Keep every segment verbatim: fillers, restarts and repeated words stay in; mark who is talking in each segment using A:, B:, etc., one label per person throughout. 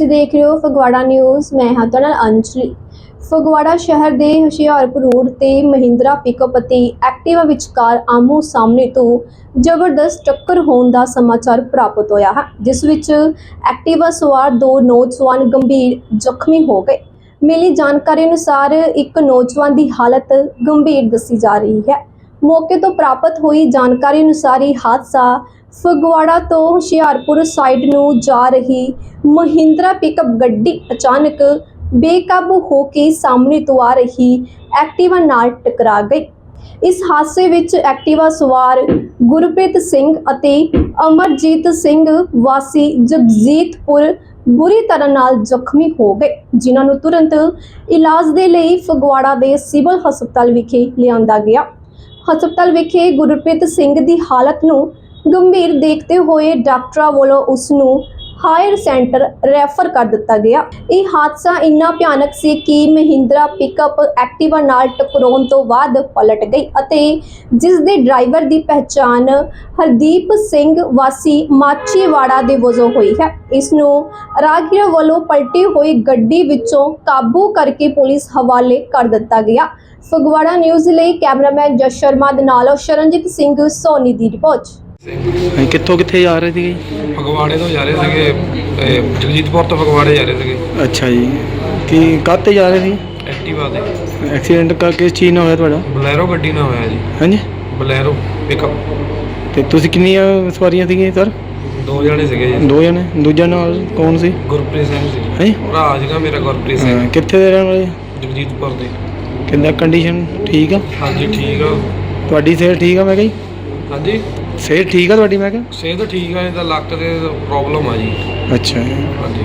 A: देख रहे हो फगवाड़ा न्यूज़। मैं हाँ तुहाडे नाल अंजलि। फगवाड़ा शहर के हुशियारपुर रोड ते महिंद्रा पिकअप ते एक्टिवा विचकार आमो सामने तो जबरदस्त टक्कर होने का समाचार प्राप्त होया है, जिस विच एक्टिवा सवार दो नौजवान गंभीर जख्मी हो गए। मिली जानकारी अनुसार एक नौजवान की हालत गंभीर दसी जा रही है। मौके तो प्राप्त हुई जानकारी अनुसार ये हादसा फगवाड़ा तो हुशियारपुर साइड नूं जा रही महिंद्रा पिकअप गड्डी अचानक बेकाबू होकर सामने तो आ रही एक्टिवा नाल टकरा गई। इस हादसे विच एक्टिवा सवार गुरप्रीत सिंह अते अमरजीत सिंह वासी जगजीतपुर बुरी तरह नाल जख्मी हो गए, जिन्हां नूं तुरंत इलाज दे लई फगवाड़ा दे सिविल हस्पताल विखे लिआंदा गया। हस्पताल विखे गुरप्रीत सिंह की हालत नूं गंभीर देखते हुए डॉक्टरां वालों उसनूं हायर सेंटर रैफर कर दिता गया। यह हादसा इन्ना भयानक सी कि महिंद्रा पिकअप एक्टिवा नाल टकराउण तो बाद पलट गई अते जिस दे ड्राइवर की पहचान हरदीप सिंह वासी माचीवाड़ा दे वजों हुई है। इसनूं राहगीर वालों पलटी हुई गड्डी विचों काबू करके पुलिस हवाले कर दिता गया। फगवाड़ा न्यूज़ लई कैमरामैन जश शर्मा दे नाल शरणजीत सिंह सोनी की रिपोर्ट।
B: कित्थों कित्थे जा रहे थे?
C: फगवाड़े तो जा रहे थे, जगजीतपुर तो फगवाड़े जा रहे थे।
B: अच्छा जी, कि काहते जा रहे थे?
C: एक्टिवा ते।
B: एक्सीडेंट का किस चीज़ ਨਾਲ ਹੋਇਆ ਤੁਹਾਡਾ?
C: ਬਲੈਰੋ ਗੱਡੀ ਨਾਲ ਹੋਇਆ ਜੀ।
B: ਹਾਂਜੀ,
C: ਬਲੈਰੋ ਪਿਕਅਪ।
B: ਤੇ ਤੁਸੀਂ ਕਿੰਨੀਆਂ ਸਵਾਰੀਆਂ ਸੀਗੀਆਂ ਸਰ?
C: ਦੋ ਜਣੇ ਸੀਗੇ ਜੀ।
B: ਦੋ ਜਣੇ। ਦੂਜਾ ਨਾਲ ਕੌਣ ਸੀ?
C: ਗੁਰਪ੍ਰੀਤ ਸਿੰਘ ਸੀ।
B: ਹਾਂਜੀ,
C: ਭਰਾ ਸੀਗਾ ਮੇਰਾ ਗੁਰਪ੍ਰੀਤ ਸਿੰਘ।
B: ਕਿੱਥੇ ਦੇ ਰਹਿਣ ਵਾਲੇ?
C: ਜਗਜੀਤਪੁਰ ਦੇ।
B: ਕਿੰਦਾ ਕੰਡੀਸ਼ਨ ਠੀਕ ਆ?
C: ਹਾਂਜੀ ਠੀਕ ਆ।
B: ਤੁਹਾਡੀ ਸਿਹਤ ਠੀਕ ਆ? ਮੈਂ ਕਹੀ
C: ਹਾਂਜੀ
B: ਸਿਹਤ ਠੀਕ ਆ ਤੁਹਾਡੀ? ਮੈਂ ਕਿਹਾ
C: ਸਿਹਤ ਠੀਕ ਆ, ਇਹਦਾ ਲੱਕ ਤੇ ਪ੍ਰੋਬਲਮ ਆ ਜੀ।
B: ਅੱਛਾ ਜੀ।
C: ਹਾਂਜੀ।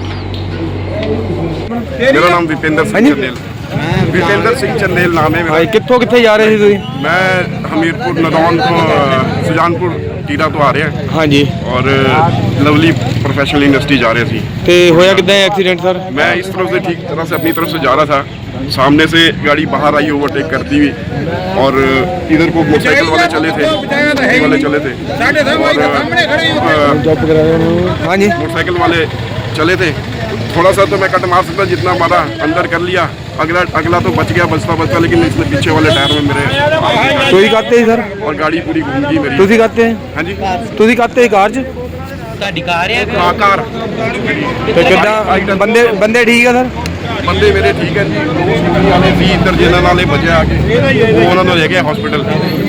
D: मेरा नाम विपेंद्र सिंह चंदेल। विपेंद्र सिंह चंदेल नाम है मेरा।
B: भाई कित्थों कित्थे जा रहे थे ਤੁਸੀਂ?
D: मैं हमीरपुर नदौन तो सुजानपुर टीरा तो आ रहे हैं।
B: हाँ जी।
D: और लवली प्रोफेशनल यूनिवर्सिटी जा रहे थे।
B: ਤੇ ਹੋਇਆ ਕਿੱਦਾਂ एक्सीडेंट सर?
D: मैं इस तरफ से ठीक तरह से अपनी तरफ से जा रहा था, सामने से गाड़ी बाहर आई ओवरटेक करती हुई, और इधर को मोटरसाइकिल वाले चले थे, स्कूटी वाले चले थे,
B: जॉब करा रहे हो? हाँ जी।
D: मोटरसाइकिल वाले चले थे। थोड़ा सा तो मैं कट मार सकता, जितना मारा अंदर कर लिया। अगला अगला तो बच गया बचता बचता, लेकिन इसने पीछे वाले टायर में मेरे
B: ਤੁਸੀਂ ਕਾਤੇ ਸਰ?
D: और गाड़ी पूरी घूम गई मेरी।
B: ਤੁਸੀਂ ਕਾਤੇ?
D: हाँ जी।
B: ਤੁਸੀਂ ਕਾਤੇ ਕਾਰ 'ਚ?
E: ਤੁਹਾਡੀ ਕਾਰ ਹੈ?
D: हाँ कार।
B: ਤੇ ਕਿੱਦਾਂ ਬੰਦੇ ਬੰਦੇ ਠੀਕ ਆ ਸਰ?
D: ਬੰਦੇ ਮੇਰੇ ਠੀਕ ਹੈ ਜੀ। ਦੋ ਸਕੂਟੀ ਵਾਲੇ ਵੀ ਇੱਧਰ ਜਿਹਨਾਂ ਨਾਲੇ ਬਚਿਆ ਆ ਕੇ, ਉਹ ਉਹਨਾਂ ਨੂੰ ਲੈ ਗਏ ਹਸਪੀਟਲ।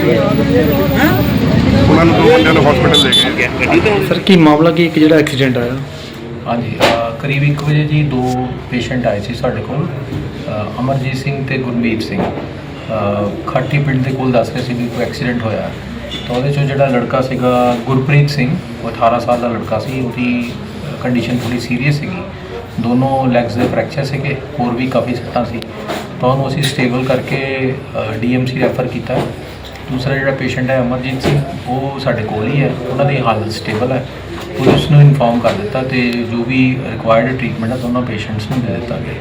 D: ਉਹਨਾਂ ਨੂੰ ਦੋ ਬੰਦਿਆਂ ਨੂੰ ਹਸਪੀਟਲ ਲੈ ਗਏ।
B: ਸਰ ਕੀ ਮਾਮਲਾ ਕੀ ਇੱਕ ਜਿਹੜਾ ਐਕਸੀਡੈਂਟ ਆਇਆ?
F: ਹਾਂਜੀ, ਅ, ਕਰੀਬ ਇੱਕ ਵਜੇ ਜੀ ਦੋ ਪੇਸ਼ੈਂਟ ਆਏ ਸੀ ਸਾਡੇ ਕੋਲ, ਅ, ਅਮਰਜੀਤ ਸਿੰਘ ਤੇ ਗੁਰਮੀਤ ਸਿੰਘ। ਅ, ਖਾਟੀ ਪਿੰਡ ਦੇ ਕੋਲ ਦੱਸ ਰਹੇ ਸੀ ਵੀ ਕੋਈ ਐਕਸੀਡੈਂਟ ਹੋਇਆ, ਤਾਂ ਉਹਦੇ 'ਚੋਂ ਜਿਹੜਾ ਲੜਕਾ ਸੀਗਾ ਗੁਰਪ੍ਰੀਤ ਸਿੰਘ, ਉਹ ਅਠਾਰਾਂ ਸਾਲ ਦਾ ਲੜਕਾ ਸੀ। ਉਹਦੀ ਕੰਡੀਸ਼ਨ ਥੋੜ੍ਹੀ ਸੀਰੀਅਸ ਸੀਗੀ, ਦੋਨੋਂ ਲੈਗਸ ਦੇ ਫ੍ਰੈਕਚਰ ਸੀਗੇ, ਹੋਰ ਵੀ ਕਾਫੀ ਸੱਟਾਂ ਸੀ, ਤਾਂ ਉਹਨੂੰ ਅਸੀਂ ਸਟੇਬਲ ਕਰਕੇ ਡੀ ਐਮ ਸੀ ਰੈਫਰ ਕੀਤਾ। ਦੂਸਰਾ ਜਿਹੜਾ ਪੇਸ਼ੈਂਟ ਹੈ ਅਮਰਜੀਤ ਸਿੰਘ, ਉਹ ਸਾਡੇ ਕੋਲ ਹੀ ਹੈ, ਉਹਨਾਂ ਦੀ ਹਾਲਤ ਸਟੇਬਲ ਹੈ। ਪੁਲਿਸ ਨੂੰ ਇਨਫੋਰਮ ਕਰ ਦਿੱਤਾ ਤੇ ਜੋ ਵੀ ਰਿਕੁਆਇਰਡ ਟ੍ਰੀਟਮੈਂਟ ਹੈ ਦੋਨੋਂ ਪੇਸ਼ੈਂਟਸ ਨੂੰ ਦੇ ਦਿੱਤਾ ਗਿਆ।